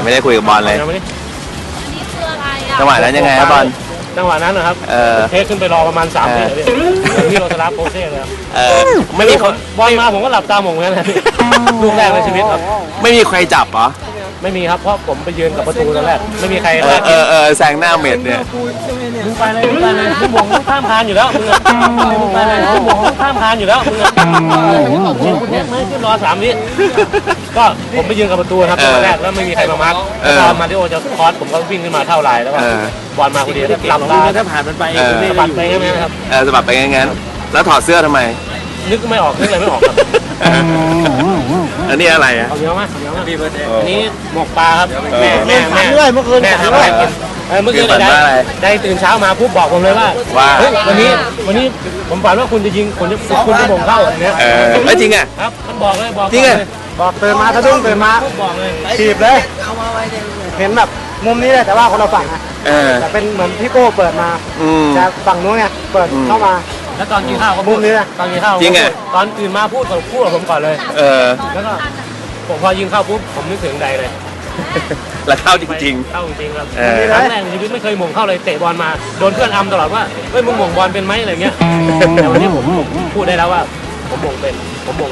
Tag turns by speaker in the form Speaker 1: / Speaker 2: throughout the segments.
Speaker 1: ไม่ได้คุยกับบอลเลย
Speaker 2: อันนี้คืออะไรอ่ะ
Speaker 1: จังหวะนั้นยังไงครับบอล
Speaker 2: จังหวะนั้นนะครับเทคขึ้นไปรอประมาณ3 วิเลยพี่โรสลาโปเซ่เลยครับ
Speaker 1: ไม่มีคน
Speaker 2: บอลมาผมก็หลับตามงงั้นเลยลูกแรกในชีวิตครับ
Speaker 1: ไม่มีใครจับเหรอ
Speaker 2: ไม่มีครับเพราะผมไปยืนกับประตูตอนแรกไม่มีใคร
Speaker 1: แซงหน้าเม็ดเนี่ย
Speaker 2: มึงไปเลยมึงไปเลยมึงมองข้ามคานอยู่แล้วมึงไปเลยมึงมองข้ามคานอยู่แล้วมึงคุณเทคไม่ขึ้นรอ3 วิก็ผมไปยืนกับประตูครับตอนแรกแล้วไม่มีใครมามาร์คตอนมาริโอจะคอสผมก็วิ่งขึ้นมาเท่าไรแล้วก็บอลมาพอดีหลับตาถ้าผ่านมันไปสะบัดไปใช่ไหมครับ
Speaker 1: สะบัดไปงั้นแล้วถอดเสื้อทำไม
Speaker 2: นึกไม่ออกนึกอะไรไม่ออกครับ
Speaker 1: อันนี้อะไรอ่ะ
Speaker 2: เอาเยอะมากอันนี้หมกปลาครับแม่เมื่อคืนแม่ทำอะไรกินเมื่อคืนได้ตื่นเช้ามาปุ๊บบอกผมเลยว่าเฮ้ยวันนี้ผมฝันว่าคุณจะยิงคุณจะบ่งเข้าอย่างเงี้ย
Speaker 1: ไม่จริงอ่ะ
Speaker 2: ครับมันบอกเลยบอก
Speaker 1: จริงอ่ะ
Speaker 3: บอกตื่นมาสะดุ้งตื่นมา
Speaker 2: บอกเลย
Speaker 3: ถีบเลยเห็นแบบมุมนี้เลยแต่ว่าคนเราฝั่งนะแต่เป็นเหมือนพี่โก้เปิดมาจะฝั่งนู้นไงเปิดเข้ามา
Speaker 2: แล้วตอนกินข้าวเขา
Speaker 3: มุมนี้นะ
Speaker 2: ตอนกินข้าว
Speaker 1: จริงอ่ะ
Speaker 2: ตอนตื่นมาพูดกับผมก่อนเลยแล้วก็ผมพอยิงเข้าปุ๊บผมนึกถึงใดเลย
Speaker 1: แล้วเข้าจริง
Speaker 2: ๆเข้าจริงครับครั้งแรกในชีวิตไม่เคยหม่งเข้าเลยเตะบอลมาโดนเพื่อนอำตลอดว่าเฮ้ยมึงหม่งบอลเป็นไหมอะไรเงี้ยแต่วันนี้ผมพูดได้แล้วว่าผมหม่งเป็น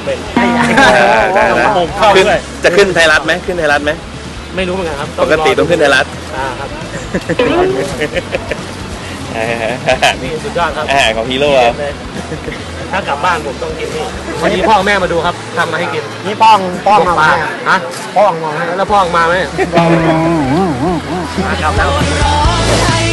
Speaker 2: หม่งเข้าด้วย
Speaker 1: จะขึ้นไทยรัฐไหมขึ้นไทยรัฐไหม
Speaker 2: ไม่รู้เหมือนกันครับ
Speaker 1: ปกติต้องขึ้นไทยรัฐ
Speaker 2: ครับนี่สุดยอดครับ
Speaker 1: ของฮีโร่
Speaker 2: ถ้ากลับบ้านผมต้องกินนี่วันนี้พ่อแม่มาดูครับทำมาให้กิน
Speaker 3: นี่ป้องมา
Speaker 2: ฮะ
Speaker 3: ป้องมา
Speaker 2: แล้วพ่อมาไหม
Speaker 3: กลับแล้ว